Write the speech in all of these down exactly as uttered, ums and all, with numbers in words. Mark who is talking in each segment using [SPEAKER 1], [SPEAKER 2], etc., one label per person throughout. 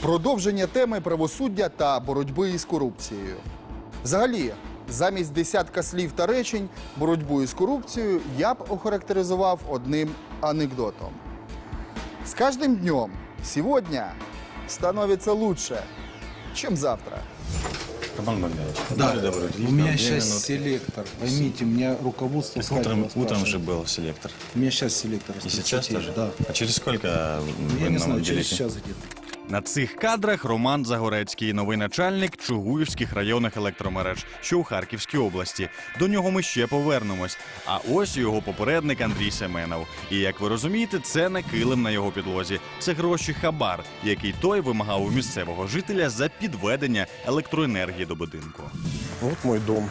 [SPEAKER 1] Продовження теми правосуддя та боротьби із корупцією. Взагалі, замість десятка слів та речень боротьбу із корупцією я б охарактеризував одним анекдотом. С каждым днем сегодня становится лучше, чем завтра.
[SPEAKER 2] Роман Богданович,
[SPEAKER 3] Да,
[SPEAKER 2] будьте добры,
[SPEAKER 3] у меня
[SPEAKER 2] две
[SPEAKER 3] сейчас
[SPEAKER 2] минутки.
[SPEAKER 3] селектор. Поймите, меня руководство
[SPEAKER 2] Так утром,
[SPEAKER 3] Скайпа
[SPEAKER 2] утром же
[SPEAKER 3] спрашивает.
[SPEAKER 2] был селектор.
[SPEAKER 3] У меня сейчас селектор.
[SPEAKER 2] И
[SPEAKER 3] с
[SPEAKER 2] сейчас
[SPEAKER 3] тридцати,
[SPEAKER 2] тоже?
[SPEAKER 3] Да.
[SPEAKER 2] А через сколько
[SPEAKER 3] Я
[SPEAKER 2] вы
[SPEAKER 3] не
[SPEAKER 2] нам
[SPEAKER 3] знаю, через
[SPEAKER 2] уделите?
[SPEAKER 3] час где-то.
[SPEAKER 4] На цих кадрах Роман Загорецький, новий начальник Чугуївських районних електромереж, що у Харківській області. До нього ми ще повернемось. А ось його попередник Андрій Семенов. І, як ви розумієте, це не килим на його підлозі. Це гроші хабар, який той вимагав у місцевого жителя за підведення електроенергії до будинку.
[SPEAKER 5] Вот мой дом.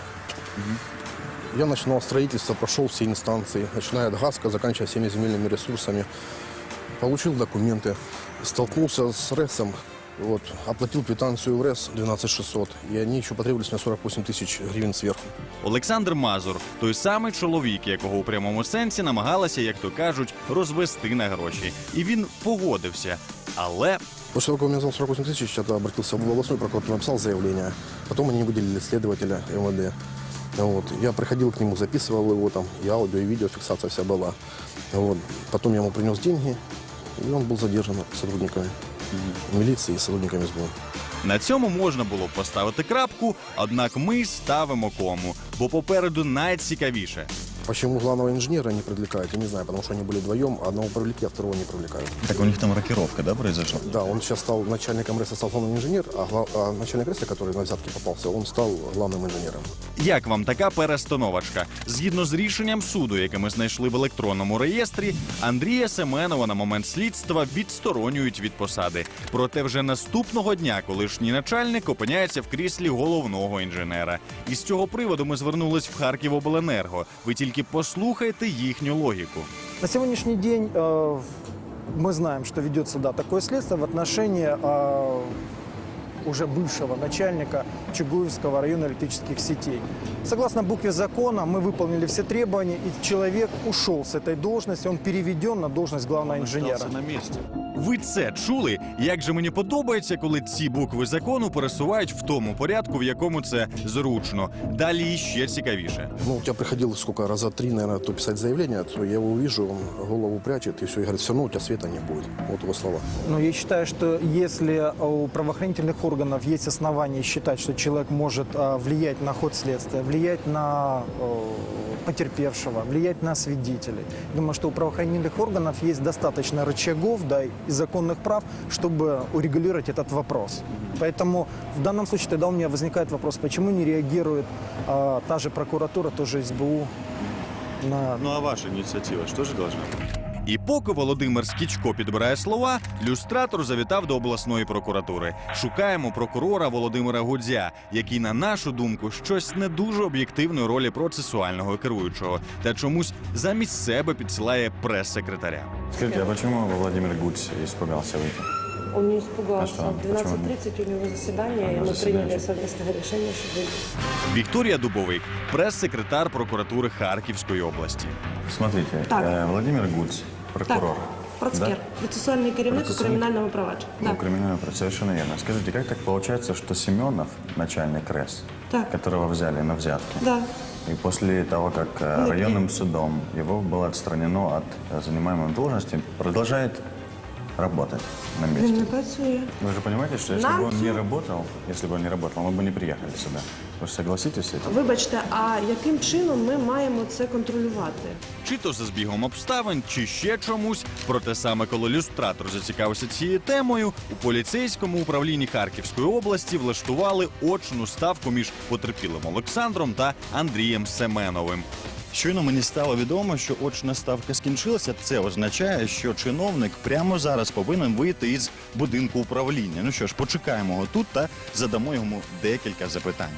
[SPEAKER 5] Я начинал строительство, прошел все инстанции, начиная от ГАСКа, заканчивая всеми земельными ресурсами. Получил документы, столкнулся с РЭСом, вот, оплатил квитанцию в РЭС двенадцать шестьсот, и они еще потребовались мне сорок восемь тысяч гривен сверху.
[SPEAKER 4] Олександр Мазур – той самий чоловік, якого у прямому сенсі намагалася, як то кажуть, розвести на гроші. І він погодився. Але
[SPEAKER 5] После того, как он мне назвал сорок восемь тысяч, я обратился в областную прокуратуру, написал заявление. Потом они выделили следователя МВД. Вот. Я приходил к нему, записывал его там, и аудио, и видео, фиксация вся была. Вот. Потом я ему принес деньги, и он был задержан сотрудниками милиции и сотрудниками СБУ.
[SPEAKER 4] на цьому можна було б поставити крапку, однак ми ставимо кому, бо попереду найцікавіше.
[SPEAKER 5] Почему главного инженера не привлекают, я не знаю, потому что они были вдвоем, одного привлекли, а второго не привлекают.
[SPEAKER 2] Так у них там рокировка, да, произошла?
[SPEAKER 5] Да, он сейчас стал начальником РЭСа, стал главным инженер, а, гла- а начальник РЭСа, который на взятке попался, он стал главным инженером.
[SPEAKER 4] Як вам така перестановочка? Згідно з рішенням суду, яке ми знайшли в електронному реєстрі, Андрія Семенова на момент слідства відсторонюють від посади. Проте вже наступного дня колишній начальник опиняється в кріслі головного інженера. І з цього приводу ми звернулись в Харківобленерго. Ви тільки послухайте їхню логіку.
[SPEAKER 6] На сегодняшний день э, мы знаем, что ведется да, такое следствие в отношении э, уже бывшего начальника Чугуевского района электрических сетей. Согласно букве закона, мы выполнили все требования, и человек ушел с этой должности, он переведен на должность главного инженера.
[SPEAKER 2] на месте.
[SPEAKER 4] Ви це чули? Як же мені подобається, коли ці букви закону пересувають в тому порядку, в якому це зручно. Далі іще цікавіше.
[SPEAKER 5] Ну, у тебя приходило сколько, раза три, наверное, то писать заявление, то я его увижу, он голову прячет, и все, и говорит, все равно у тебя света не будет. Вот его слова.
[SPEAKER 6] Но я считаю, что если у правоохранительных органов есть основания считать, что человек может э, влиять на ход следствия, влиять на э, потерпевшего, влиять на свидетелей, думаю, что у правоохранительных органов есть достаточно рычагов, да, и законных прав, чтобы урегулировать этот вопрос. Поэтому в данном случае тогда у меня возникает вопрос, почему не реагирует э, та же прокуратура, тоже СБУ на...
[SPEAKER 2] Ну а ваша инициатива что же должна быть?
[SPEAKER 4] І поки Володимир Скічко підбирає слова, люстратор завітав до обласної прокуратури. Шукаємо прокурора Володимира Гудзя, який, на нашу думку, щось не дуже об'єктивної ролі процесуального керуючого, та чомусь замість себе підсилає прес-секретаря.
[SPEAKER 2] Скажите, а почему Владимир Гудзь испугался выйти?
[SPEAKER 7] Он не
[SPEAKER 2] А
[SPEAKER 7] испугался.
[SPEAKER 2] что?
[SPEAKER 7] В двенадцать тридцать у него заседание, и
[SPEAKER 2] А,
[SPEAKER 7] мы
[SPEAKER 2] заседание.
[SPEAKER 7] приняли совместное решение, чтобы...
[SPEAKER 4] Вікторія Дубовик, прес-секретар прокуратури Харківської області.
[SPEAKER 2] Смотрите,
[SPEAKER 7] Так.
[SPEAKER 2] э, Владимир Гудзь, прокурор.
[SPEAKER 7] Процкер, процессуальный керівник у
[SPEAKER 2] Процессуальный?
[SPEAKER 7] криминального провадження.
[SPEAKER 2] Ну,
[SPEAKER 7] Да.
[SPEAKER 2] криминальное право, совершенно верно. Скажите, как так получается, что Семенов, начальник РЭС,
[SPEAKER 7] Так.
[SPEAKER 2] которого взяли на взятки,
[SPEAKER 7] Да.
[SPEAKER 2] и после того, как э, районным судом его было отстранено от э, занимаемой должности, продолжает работать на
[SPEAKER 7] Він
[SPEAKER 2] месте?
[SPEAKER 7] не працює.
[SPEAKER 2] Вы же понимаете, что если
[SPEAKER 7] Нам
[SPEAKER 2] бы он не
[SPEAKER 7] цю-
[SPEAKER 2] работал, если бы он не работал, мы бы не приехали сюда. Вы же согласитесь с этим?
[SPEAKER 7] Вибачте, а яким чином ми маємо це контролювати?
[SPEAKER 4] Чи то за збігом обставин, чи ще чомусь. Проте саме коли люстратор зацікавився цією темою, у поліцейському управлінні Харківської області влаштували очну ставку між потерпілим Олександром та Андрієм Семеновим.
[SPEAKER 8] Щойно мені стало відомо, що очна ставка скінчилася. Це означає, що чиновник прямо зараз повинен вийти із будинку управління. Ну що ж, почекаємо його тут та задамо йому декілька запитань.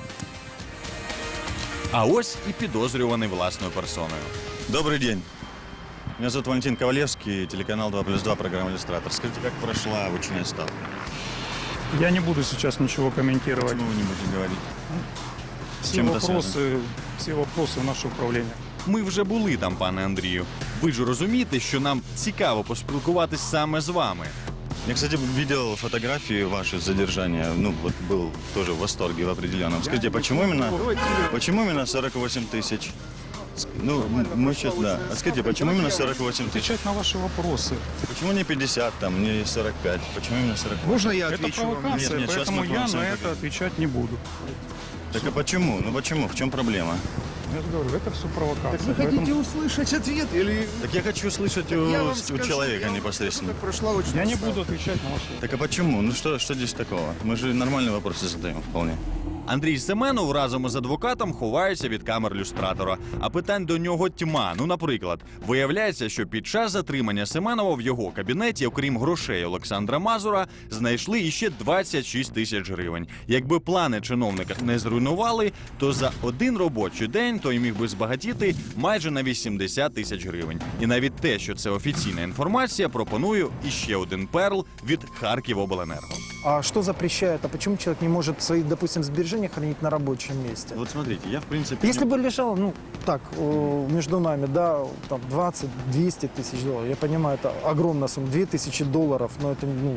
[SPEAKER 4] А ось і підозрюваний власною персоною.
[SPEAKER 8] Добрый день. Меня зовут Валентин Ковалевский, телеканал два плюс два, программа «Иллюстратор». Скажите, как прошла очная ставка?
[SPEAKER 9] Я не буду сейчас ничего комментировать.
[SPEAKER 8] Почему вы не будете говорить? С
[SPEAKER 9] Все
[SPEAKER 8] чем это связано?
[SPEAKER 9] вопросы, все вопросы в наше управление.
[SPEAKER 4] Ми вже були там, пане Андрію. Ви ж розумієте, що нам цікаво поспілкуватись саме з вами.
[SPEAKER 8] Я, кстати, видел фотографии ваши задержания. Ну, вот был тоже в восторге в определенном. Скажите, почему именно, почему именно сорок восемь тысяч? Ну, мы сейчас, да. А скажите, почему именно сорок восемь тысяч?
[SPEAKER 9] Отвечать на ваши вопросы.
[SPEAKER 8] Почему не пятьдесят, там, не сорок пять? Почему именно сорок восемь?
[SPEAKER 3] Можно я
[SPEAKER 9] Это
[SPEAKER 3] отвечу вам?
[SPEAKER 9] провокация,
[SPEAKER 8] Нет, нет, сейчас
[SPEAKER 9] поэтому
[SPEAKER 8] мы
[SPEAKER 9] я
[SPEAKER 8] просто
[SPEAKER 9] на
[SPEAKER 8] не
[SPEAKER 9] это
[SPEAKER 8] поговорим.
[SPEAKER 9] отвечать не буду.
[SPEAKER 8] Так а почему? Ну почему? В чем проблема?
[SPEAKER 9] Я же говорю, это все провокация.
[SPEAKER 3] Вы
[SPEAKER 9] Поэтому
[SPEAKER 3] хотите услышать ответ или...
[SPEAKER 8] Так я хочу слышать у,
[SPEAKER 3] Я вам
[SPEAKER 8] у
[SPEAKER 3] скажу,
[SPEAKER 8] человека
[SPEAKER 3] я вам
[SPEAKER 8] непосредственно.
[SPEAKER 3] скажу, как прошла очень
[SPEAKER 9] Я не
[SPEAKER 3] устала.
[SPEAKER 9] буду отвечать на ваши вопросы.
[SPEAKER 8] Так а почему? Ну что, что здесь такого? Мы же нормальные вопросы задаем вполне.
[SPEAKER 4] Андрій Семенов разом із адвокатом ховається від камер люстратора. А питань до нього тьма. Ну, наприклад, виявляється, що під час затримання Семенова в його кабінеті, окрім грошей Олександра Мазура, знайшли іще двадцять шість тисяч гривень. Якби плани чиновника не зруйнували, то за один робочий день той міг би збагатіти майже на вісімдесят тисяч гривень. І навіть те, що це офіційна інформація, пропоную іще один перл від Харківобленерго.
[SPEAKER 6] А что запрещает? А почему человек не может свои, допустим, сбережения хранить на рабочем месте?
[SPEAKER 8] Вот смотрите, я в принципе...
[SPEAKER 6] Если бы лежал, ну, так, э, между нами, да, там, двадцать-двести тысяч долларов, я понимаю, это огромная сумма, две тысячи долларов, но это, ну,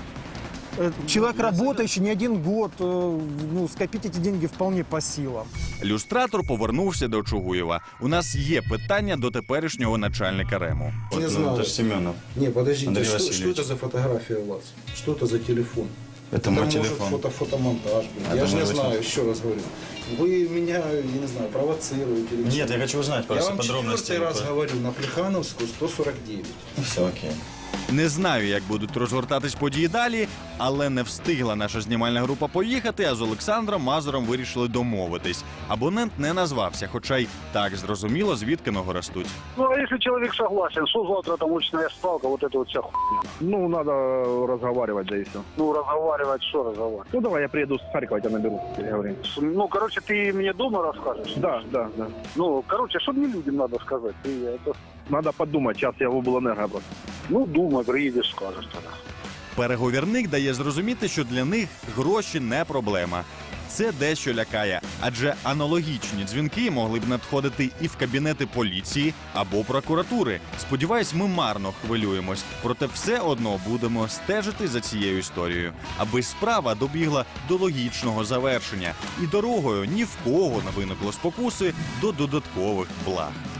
[SPEAKER 6] э, человек работающий не один год, э, ну, скопить эти деньги вполне по силам.
[SPEAKER 4] Люстратор повернувся до Чугуєва. У нас є питання до теперішнього начальника РЕМу.
[SPEAKER 8] Вот,
[SPEAKER 3] Не
[SPEAKER 8] ну,
[SPEAKER 3] знаю.
[SPEAKER 8] это же Семенов.
[SPEAKER 3] Не, подождите,
[SPEAKER 8] Андрей
[SPEAKER 3] что,
[SPEAKER 8] Васильевич.
[SPEAKER 3] что это за фотография у вас? Что это за телефон?
[SPEAKER 8] Это мой
[SPEAKER 3] может
[SPEAKER 8] телефон.
[SPEAKER 3] фото, фотомонтаж. блин.
[SPEAKER 8] Это
[SPEAKER 3] Я же не
[SPEAKER 8] мой
[SPEAKER 3] знаю,
[SPEAKER 8] телефон.
[SPEAKER 3] еще раз говорю. Вы меня, я не знаю, провоцируете. или
[SPEAKER 8] Нет,
[SPEAKER 3] что?
[SPEAKER 8] я хочу узнать
[SPEAKER 3] Я
[SPEAKER 8] просто
[SPEAKER 3] вам
[SPEAKER 8] подробности.
[SPEAKER 3] четвертый раз говорю, на Плехановскую сто сорок девять.
[SPEAKER 8] Все окей.
[SPEAKER 4] Не знаю, як будуть розгортатись події далі, але не встигла наша знімальна група поїхати, а з Олександром Мазуром вирішили домовитись. Абонент не назвався, хоча й так зрозуміло, звідки ноги ростуть.
[SPEAKER 10] Ну, а если человек согласен, что завтра там очная ставка, вот это вот вся хуйня.
[SPEAKER 11] Ну, надо разговаривать, да и все.
[SPEAKER 10] Ну, разговаривать, что разговаривать?
[SPEAKER 11] Ну, давай, я приеду с Харькова, тебя наберу, переговорим.
[SPEAKER 10] С- Ну, короче, ты мне дома расскажешь?
[SPEAKER 11] Да, да, да.
[SPEAKER 10] Ну, короче, что мне людям надо сказать? Ты это...
[SPEAKER 11] Надо подумать, сейчас я в облэнерго просто.
[SPEAKER 10] Ну, думай, приедешь, скажешь тогда.
[SPEAKER 4] Переговірник дає зрозуміти, що для них гроші не проблема. Це дещо лякає, адже аналогічні дзвінки могли б надходити і в кабінети поліції або прокуратури. Сподіваюсь, ми марно хвилюємось, проте все одно будемо стежити за цією історією, аби справа добігла до логічного завершення і дорогою ні в кого не виникло спокуси до додаткових благ.